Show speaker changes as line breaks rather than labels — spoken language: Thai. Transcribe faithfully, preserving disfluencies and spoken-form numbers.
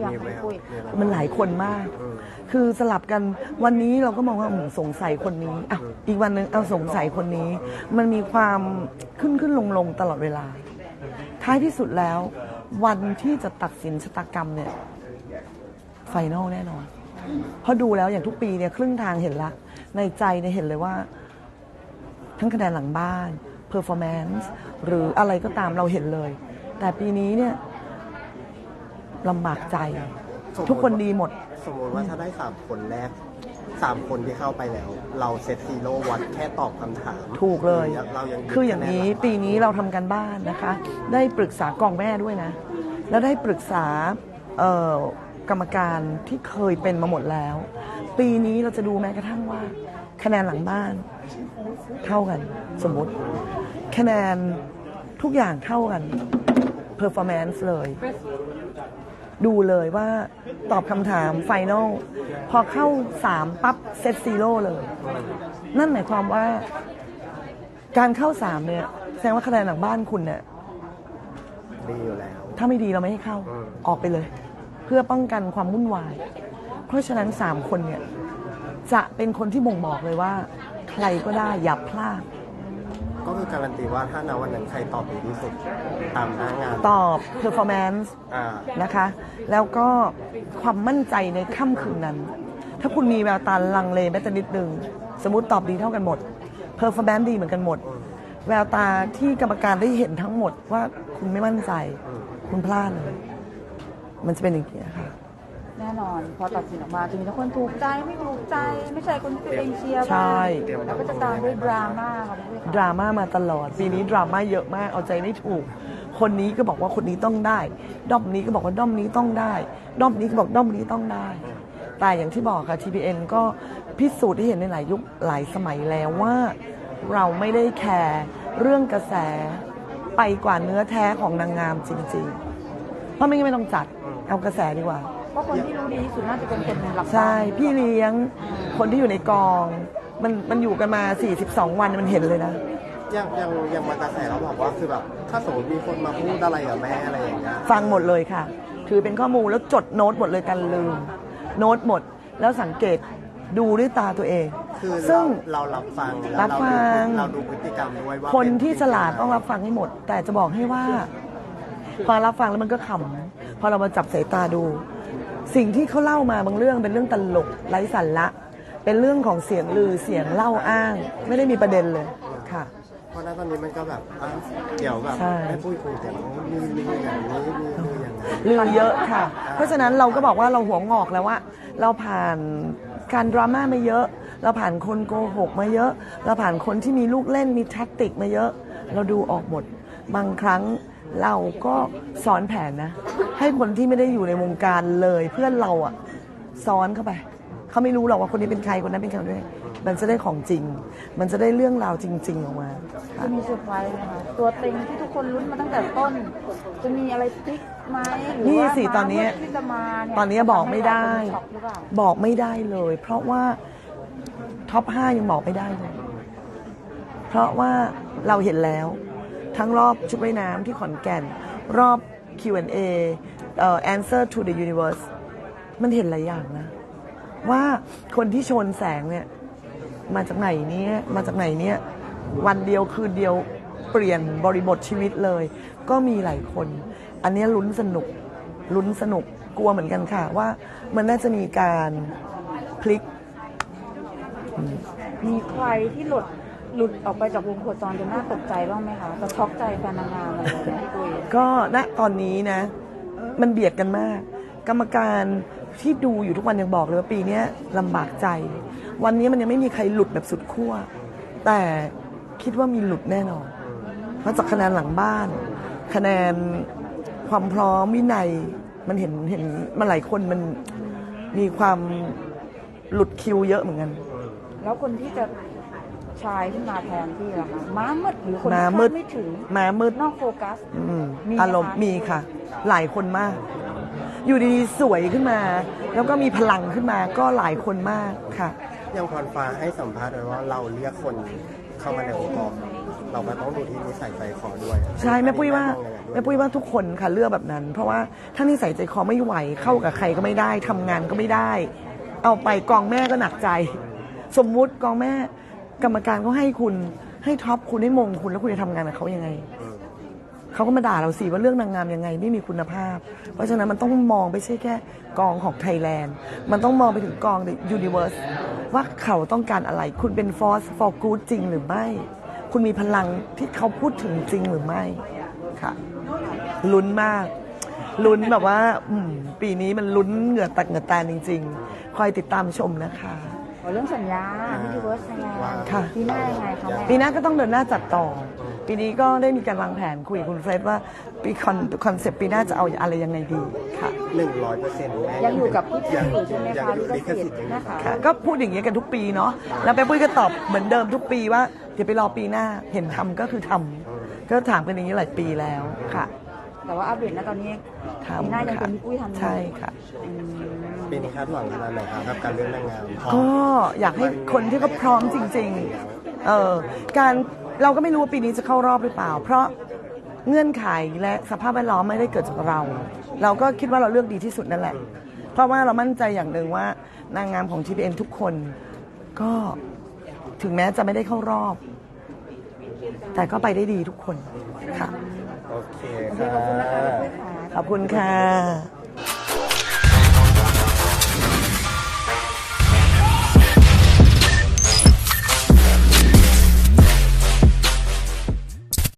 ยังไม่คุย
มันหลายคนมากคือสลับกันวันนี้เราก็มองว่าสงสัยคนนี้อ่ะอีกวันหนึ่งเอาสงสัยคนนี้มันมีความขึ้นขึ้นลงลงตลอดเวลาท้ายที่สุดแล้ววันที่จะตัดสินชะตากรรมเนี่ยไฟนอลแน่นอนเพราะดูแล้วอย่างทุกปีเนี่ยครึ่งทางเห็นละในใจเนี่ยเห็นเลยว่าทั้งคะแนนหลังบ้านเพอร์ฟอร์แมนซ์หรืออะไรก็ตามเราเห็นเลยแต่ปีนี้เนี่ยลำบากใจทุกคนดีหมด
สมมติว่าถ้าได้สามคนแรกสามคนที่เข้าไปแล้วเราเซตซีโร่วัดแค่ตอบคำถาม
ถูกเลย
เรายัง
คืออย่างนี้ปีนี้เราทำกันบ้านนะคะได้ปรึกษากองแม่ด้วยนะแล้วได้ปรึกษากรรมการที่เคยเป็นมาหมดแล้วปีนี้เราจะดูแม้กระทั่งว่าคะแนนหลังบ้านเท่ากันสมมติคะแนนทุกอย่างเท่ากันเพอร์ฟอร์แมนซ์เลยดูเลยว่าตอบคำถามไฟนอลพอเข้าสามปั๊บเซตซีโร่เลยนั่นหมายความว่าการเข้าสามเนี่ยแสดงว่าคะแนนหลังบ้านคุณเนี่ย
ดีอยู่แล้ว
ถ้าไม่ดีเราไม่ให้เข้าออกไปเลยเพื่อป้องกันความวุ่นวายเพราะฉะนั้นสามคนเนี่ยจะเป็นคนที่บ่งบอกเลยว่าใครก็ได้อย่าพลาด
ก็คือการันตีว่าถ้าณวันนั้นใครตอบดีที่สุดตามหน้างาน
ตอบ performance นะคะแล้วก็ความมั่นใจในค่ำคืนนั้นถ้าคุณมีแววตาลังเลแม้แต่นิดนึงสมมุติตอบดีเท่ากันหมด performance ดีเหมือนกันหมดแววตาที่กรรมการได้เห็นทั้งหมดว่าคุณไม่มั่นใจคุณพลาดเลยมันจะเป็นอย่างนี้ค่ะ
แน่นอนพอตัดสินออกมาจะมีทั้งคนถูกใจไม่ถูกใจไม่ใช่คนที่ตัวเองเชียร์
ใช่
แล้วก็จะตามด้วยดราม่าค่ะ
ดราม่ามาตลอดปีนี้ดราม่าเยอะมากเอาใจไม่ถูกคนนี้ก็บอกว่าคนนี้ต้องได้ด้อมนี้ก็บอกว่าด้อมนี้ต้องได้ด้อมนี้ก็บอกด้อมนี้ต้องได้แต่อย่างที่บอกค่ะ ที พี เอ็น ก็พิสูจน์ที่เห็นในหลายยุคหลายสมัยแล้วว่าเราไม่ได้แคร์เรื่องกระแสไปกว่าเนื้อแท้ของนางงามจริงๆเพราะไม่งั้นไม่ต้องจัดเอากระแสดีกว่า
เพราะคนที่รู้ดีที่สุดน่าจะเป็นคนหลัก
ใช่พี่เลี้ยงคนที่อยู่ในกองมันมันอยู่กันมาสี่สิบสองวันมันเห็นเลยนะ
ยังยังยังมากระแสเราบอกว่าคือแบบถ้าสมมติมีคนมาพูดอะไรกับแม่อะไรอย่างเงี้ย
ฟังหมดเลยค่ะถือเป็นข้อมูลแล้วจดโน้ตหมดเลยกันลืมโน้ตหมดแล้วสังเกตดูด้วยตาตัวเอง
คือซึ่งเรารับฟัง
รับฟัง
เราดูพฤติกรรมด้วยว่า
คนที่ฉลาดต้องรับฟังให้หมดแต่จะบอกให้ว่าพอรับฟังแล้วมันก็ขำพอเรามาจับสายตาดูสิ่งที่เขาเล่ามาบางเรื่องเป็นเรื่องตลกไร้สาระเป็นเรื่องของเสียงลือเสียงเล่าอ้างไม่ได้มีประเด็นเลยค่ะ
เพราะนั้นตอนนี้มันก็แบบเดี๋ยวแบบไม่พูดคุยแต่มีมีอย่างนี้มีมีอย่างนั้น
ลือเยอะค่ะเพราะฉะนั้นเราก็บอกว่าเราหัวงอกแล้วว่าเราผ่านการดราม่ามาเยอะเราผ่านคนโกหกมาเยอะเราผ่านคนที่มีลูกเล่นมีแท็กติกมาเยอะเราดูออกหมดบางครั้งเราก็ซ้อนแผนนะให้คนที่ไม่ได้อยู่ในวงการเลยเพื่อนเราอะซ้อนเข้าไปเขาไม่รู้หรอกว่าคนนี้เป็นใครคนนั้นเป็นใครด้วยมันจะได้ของจริงมันจะได้เรื่องราวจริงๆออกมา
จะมีเซอร์ไพรส์ไหมคะตัวเต็งที่ทุกคนลุ้นมาตั้งแต่ต้นจะมีอะไรพลิกไหมหรือว่า
ตอนนี้ตอนนี้บอกไม่ได้บอกไม่ได้เลยเพราะว่าท็อปห้ายังบอกไม่ได้เลยเพราะว่าเราเห็นแล้วทั้งรอบชุดว่ายน้ำที่ขอนแก่นรอบ คิว แอนด์ เอ เอ่อ Answer to the Universe มันเห็นหลายอย่างนะว่าคนที่ชนแสงเนี่ยมาจากไหนเนี่ยมาจากไหนเนี่ยวันเดียวคืนเดียวเปลี่ยนบริบทชีวิตเลยก็มีหลายคนอันนี้ลุ้นสนุกลุ้นสนุกกลัวเหมือนกันค่ะว่ามันน่าจะมีการพลิก
มีใครที่หลุดหลุดออกไปจากวงโคจรจนน่าตกใจบ้างไหมคะจะช็อกใจแฟนนางงามอะไรแบบนี้ด้วย
ก็ณตอนนี้นะมันเบียดกันมากกรรมการที่ดูอยู่ทุกวันยังบอกเลยว่าปีนี้ลำบากใจวันนี้มันยังไม่มีใครหลุดแบบสุดขั้วแต่คิดว่ามีหลุดแน่นอนเพราะจากคะแนนหลังบ้านคะแนนความพร้อมวินัยมันเห็นเห็นมาหลายคนมันมีความหลุดคิวเยอะเหมือนกัน
แล้วคนที่จะชายขึ้นมาแทนที่ล่ะคะม้ามืดหรือคนคาดไม่ถึง
ม้ามืด
นอกโฟกัส
อารมณ์มีค่ะหลายคนมากอยู่ดีๆสวยขึ้นมาแล้วก็มีพลังขึ้นมาก็หลายคนมากค่ะ
ยังพรฟ้าให้สัมภาษณ์ไว้ว่าเราเรียกคนเข้ามาในองค์กรเราก็ต้องดูที่นิสัยใจคอด้วย
ใช่แม่ปุ้ยว่า
อันนี้
แม่ปุ้ยว่าทุกคนค่ะเลือกแบบนั้น เพราะว่าถ้านิสัยใจคอไม่ไหวเข้ากับใครก็ไม่ได้ทำงานก็ไม่ได้ เอาไปกองแม่ก็หนักใจ สมมุติกองแม่กรรมการเขาให้คุณให้ท็อปคุณให้มงคุณแล้วคุณจะทำงานกับเขายังไง
อืม
เขาก็มาด่าเราสิว่าเรื่องนางงามยังไงไม่มีคุณภาพ เพราะฉะนั้นมันต้องมองไม่ใช่แค่กองของไทยแลนด์มันต้องมองไปถึงกอง The Universe ว่าเขาต้องการอะไร คุณเป็น force for good จริงหรือไม่ คุณมีพลังที่เขาพูดถึงจริงหรือไม่ค่ะลุ้นมาก ลุ้นแบบว่าอืมปีนี้มันลุ้นเหงื่อตักเหงื่อแตนจริง ๆ คอยติดตามชมนะคะ
อ๋อเรื่องสัญญาที่ดีเวิร์สยังไง
ค่ะ
ปีหน้ายังไงคะแม่
ปีหน้าก็ต้องเดินหน้าจัดต่อ ปีนี้ก็ได้มีการวางแผนคุยกับคุณเฟรดว่าปีคอนคอนเซปต์ปีหน้าจะเอาอะไรยังไงดีค่ะ
หนึ่งร้อยเปอร์เซ็นต์แม่
ยังอยู่กับพี่ปุ้ย
ยัง
อยู่ใช่ไหม
ยัง
คะ
อยู่
ลิ
ลิ
ข
ข
สิ
สิ
ท
ท
ธิ์
ธิ์ยังอยู่
นะคะ
ค่ะก็พูดอย่างนี้ยกันทุกปีเนาะแล้วแม่ปุ้ยก็ตอบเหมือนเดิมทุกปีว่าเดี๋ยวไปรอปีหน้าเห็นทำก็คือทำก็ถามกันอย่างนี้หลายปีแล้วค่ะ
แต่ว่าอัปเดตนะตอนนี้
ทำ
ปีหน้ายัง
ค่ะ
เป็นพี่ปุ้ยทำอยู่
ใช่ค่ะ
อืม
ปีนี้คาดหวังขนาดไหนครับกับการเลือกนางงามพร้อม
ก็อยากให้คนที่เขาพร้อมจริงๆเออการเราก็ไม่รู้ว่าปีนี้จะเข้ารอบหรือเปล่า เพราะเงื่อนไขและสภาพแวดล้อมไม่ได้เกิดจากเรา เราก็คิดว่าเราเลือกดีที่สุดนั่นแหละ เพราะว่าเรามั่นใจอย่างหนึ่งว่านางงามของ ที พี เอ็น ทุกคนก็ถึงแม้จะไม่ได้เข้ารอบ แต่ก็ไปได้ดีทุกคนค่ะ
โอเค
โอเค
ค่ะ
ขอบคุณนะคะพี่ปุ้ยค่ะ
ขอบคุณค่ะ